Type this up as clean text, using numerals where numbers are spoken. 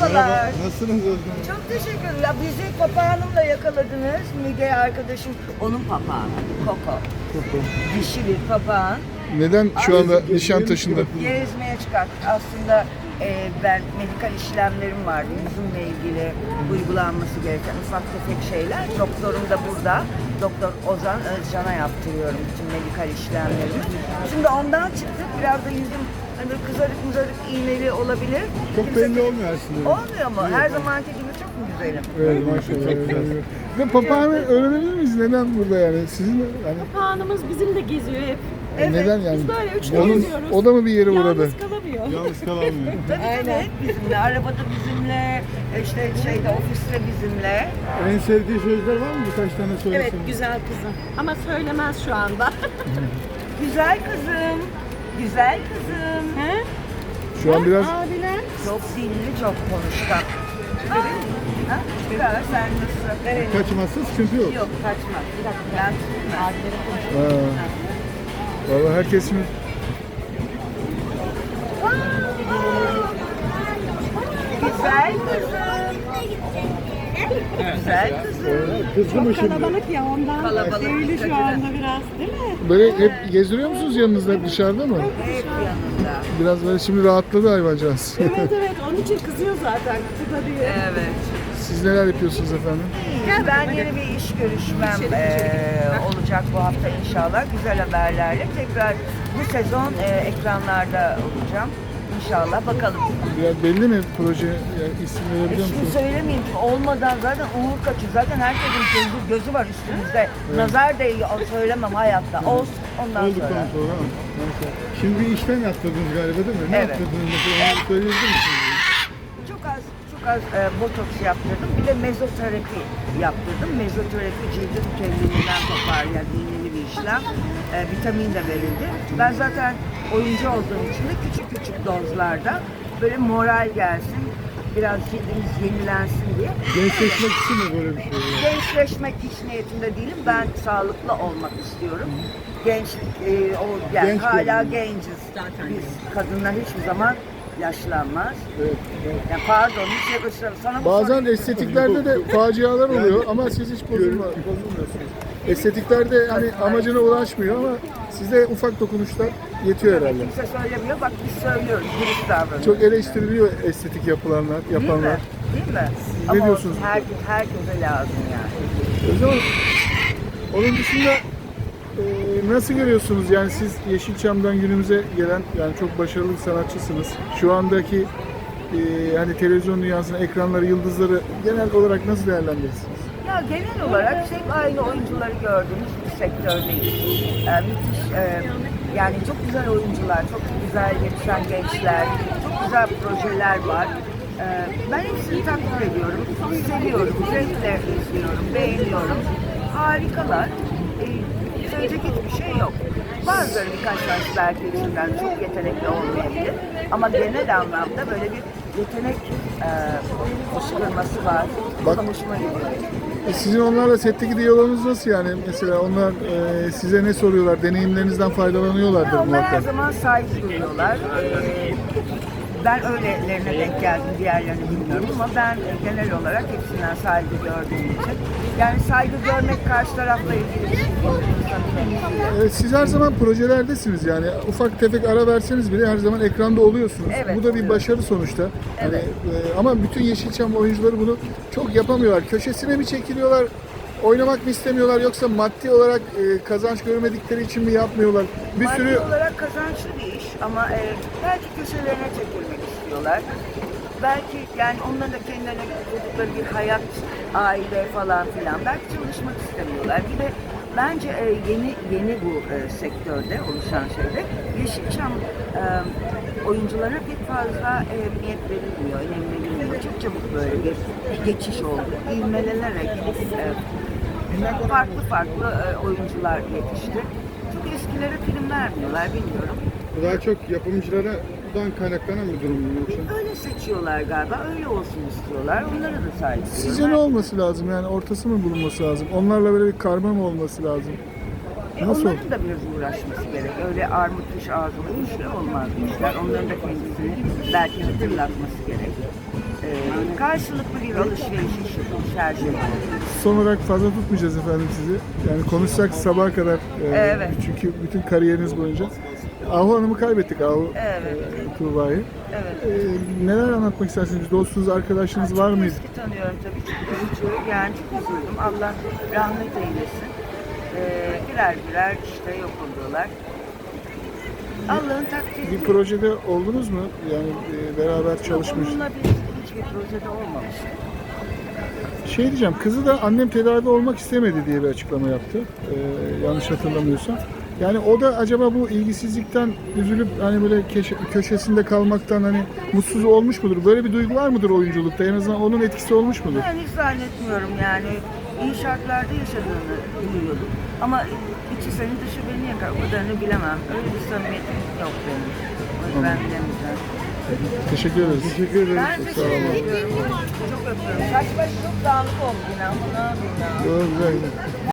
Merhabalar. Nasılsınız Özlem? Çok teşekkür ederim. Ya bizi papağanımla yakaladınız. Müge arkadaşım, onun papağanı. Koko. Dişi bir papağan. Neden şu anda Nişantaşı'nda? Gezmeye çıkarttık. Aslında ben medikal işlemlerim vardı. Yüzümle ilgili uygulanması gereken ufak tefek şeyler. Doktorum da burada. Doktor Ozan Özcan'a yaptırıyorum bütün medikal işlemlerimi. Şimdi ondan çıktık. Biraz da yüzüm hani kızarık iğneli olabilir. Çok belli olmuyor aslında. Olmuyor mu? Her zamanki gibi çok mu güzelim? Evet maşallah. Ve papağanı öğrenebilir miyiz? Neden burada yani? Sizin yani Papağanımız bizim de geziyor hep. Evet. neden yani? Biz böyle üçlü Onun, geziyoruz. o da mı bir yere uğradı? Yalnız kalamıyor. Yalnız kalamıyor. Tabii bizimle, arabada bizimle, işte şeyde ofiste bizimle. En sevdiği sözler var mı? Birkaç tane Evet, söylesene. güzel kızım. Ama söylemez şu anda. Güzel kızım, güzel kızım. He? Şu an biraz Abiler. Çok dilli, çok konuşkan. Ha? Biraz sen nasıl? Evet. kaçmazsa sıkıntı yok. Yok kaçmaz. Ben tutmam. Ha. Vallahi herkes mi? Güzel kızım. Güzel kızım. Kızdı mı şimdi? Kalabalık ya ondan. Kalabalık. Sevgili şu anda biraz değil mi? Böyle hep gezdiriyor musunuz yanınızda hep dışarıda mı? Hep yanında. Biraz böyle şimdi rahatladı hayvancağız. Evet onun için kızıyor zaten. Kıza diye. Evet. Siz neler yapıyorsunuz efendim? Ben yeni bir iş görüşmem olacak bu hafta inşallah. Güzel haberlerle tekrar bu sezon ekranlarda olacağım. İnşallah bakalım. Biraz belli mi proje yani isim verebiliyor Şimdi musunuz? söylemeyeyim olmadan zaten uğur kaçıyor. Zaten herkesin gözü var üstümüzde. Nazar değiyor söylemem hayatta. Olsun ondan sonra. Olduktan sonra. Neyse. Şimdi bir işlem yaptırdınız galiba değil mi? Ne Evet. yaptırdınız mesela? Onu söyleyebilir misiniz? Çok az botoks yaptırdım. Bir de mezoterapi yaptırdım. Mezoterapi cildin kendiliğinden toparlayan iğneli bir işlem. Vitamin de verildi. Ben zaten oyuncu olduğum için de küçük dozlarda böyle moral gelsin, biraz cildimiz yenilensin diye. Gençleşmek için mi böyle bir şey? Gençleşmek hiç niyetinde değilim. Ben sağlıklı olmak istiyorum. Gençlik, yani Genç hala görünüyor. genciz. Biz kadınlar hiçbir zaman yaşlanmaz. Evet. Yani pardon, hiç yakıştıramadım. Sana bu Bazen soruyu- estetiklerde de facialar oluyor ama siz hiç bozulmuyorsunuz. Estetiklerde hani amacına ulaşmıyor ama size ufak dokunuşlar yetiyor herhalde. Kimse söylemiyor. Bak biz söylüyoruz. Dürüst davranıyoruz. Çok eleştiriliyor estetik yapanlar. Değil mi? Değil mi? Siz Ama ne diyorsunuz? herkese lazım yani. O zaman onun dışında nasıl görüyorsunuz? Yani siz Yeşilçam'dan günümüze gelen yani çok başarılı bir sanatçısınız. Şu andaki hani televizyon dünyasının ekranları, yıldızları genel olarak nasıl değerlendirirsiniz? Ya genel olarak hep aynı oyuncuları gördüğümüz bir sektördeyiz. Müthiş, yani çok güzel oyuncular, çok güzel yetişen gençler, çok güzel projeler var. Ben hepsini takdir ediyorum, seviyorum, zevkle izliyorum, beğeniyorum. Harikalar. Söyleyecek hiçbir şey yok. Bazıları birkaç tanesi belki içinden çok yetenekli olmayabilir. Ama genel anlamda böyle bir yetenek fışkırması var. Bu Bak- da hoşuma gidiyor. Sizin onlarla setteki diyaloğunuz nasıl yani? Mesela onlar size ne soruyorlar? Deneyimlerinizden faydalanıyorlardır Ya onlar her muhakkak. zaman saygı duyuyorlar. Ben öylelerine denk geldim, diğerlerini bilmiyorum ama ben genel olarak hepsinden saygı gördüğüm için. Yani saygı görmek karşı tarafla ilgili bir şey değil. Siz her zaman projelerdesiniz yani ufak tefek ara verseniz bile her zaman ekranda oluyorsunuz. Evet, Bu da bir oluyorum. başarı sonuçta. Hani, Evet. ama bütün Yeşilçam oyuncuları bunu çok yapamıyorlar. Köşesine mi çekiliyorlar, oynamak mı istemiyorlar yoksa maddi olarak kazanç görmedikleri için mi yapmıyorlar? Bir Maddi sürü olarak kazançlı bir iş ama belki köşelerine çekilmek istiyorlar. Belki yani onların da kendilerine kurdukları bir hayat, aile falan filan. Belki çalışmak istemiyorlar. Bir de bence yeni bu sektörde oluşan şeyde Yeşilçam oyunculara pek fazla emniyet verilmiyor, önem verilmiyor. Çok çabuk böyle bir geçiş oldu. İvmelenerek farklı oyuncular yetişti. Çok eskilere film vermiyorlar, bilmiyorum. daha çok yapımcılardan kaynaklanan bir durum mu yoksa? Öyle seçiyorlar galiba, öyle olsun istiyorlar. Onlara da saygı duyuyorum. Sizce ne olması lazım yani ortası mı bulunması lazım? Onlarla böyle bir karma mı olması lazım? Nasıl? Onların da biraz uğraşması gerek. Öyle armut kuş ağzına işler olmaz bu işler. Onların da kendisini belki hatırlatması gerek. Karşılıklı bir alışveriş işi her şey. Son olarak fazla tutmayacağız efendim sizi. Yani konuşsak sabaha kadar. Evet. Çünkü bütün kariyeriniz boyunca. Ahu Hanım'ı kaybettik, Ahu Evet. Tuğba'yı. Evet. Neler anlatmak istersiniz? Dostunuz, arkadaşınız var mıydı? Eski tanıyorum tabii. Çok yani çok üzüldüm. Allah rahmet eylesin. Birer birer işte yok oluyorlar. Allah'ın takdiri. Bir projede oldunuz mu? Yani beraber çalışmış. Onunla hiçbir projede olmamış. Şey diyeceğim, kızı da annem tedavi olmak istemedi diye bir açıklama yaptı. Yanlış hatırlamıyorsam. Yani o da acaba bu ilgisizlikten üzülüp hani böyle köşesinde kalmaktan hani mutsuz olmuş mudur? Böyle bir duygu var mıdır oyunculukta? En azından onun etkisi olmuş mudur? Ben hiç zannetmiyorum yani. İyi şartlarda yaşadığını biliyordum. Ama içi seni dışı beni yakar. O kadarını bilemem. Öyle bir samimiyetim yok benim. Onu ben bilemeyeceğim. Teşekkür ederiz. Teşekkür ederiz. Ben teşekkür ediyorum. Çok öpüyorum. Saç baş çok dağınık oldu yine ama ne yapayım ya. Güzel.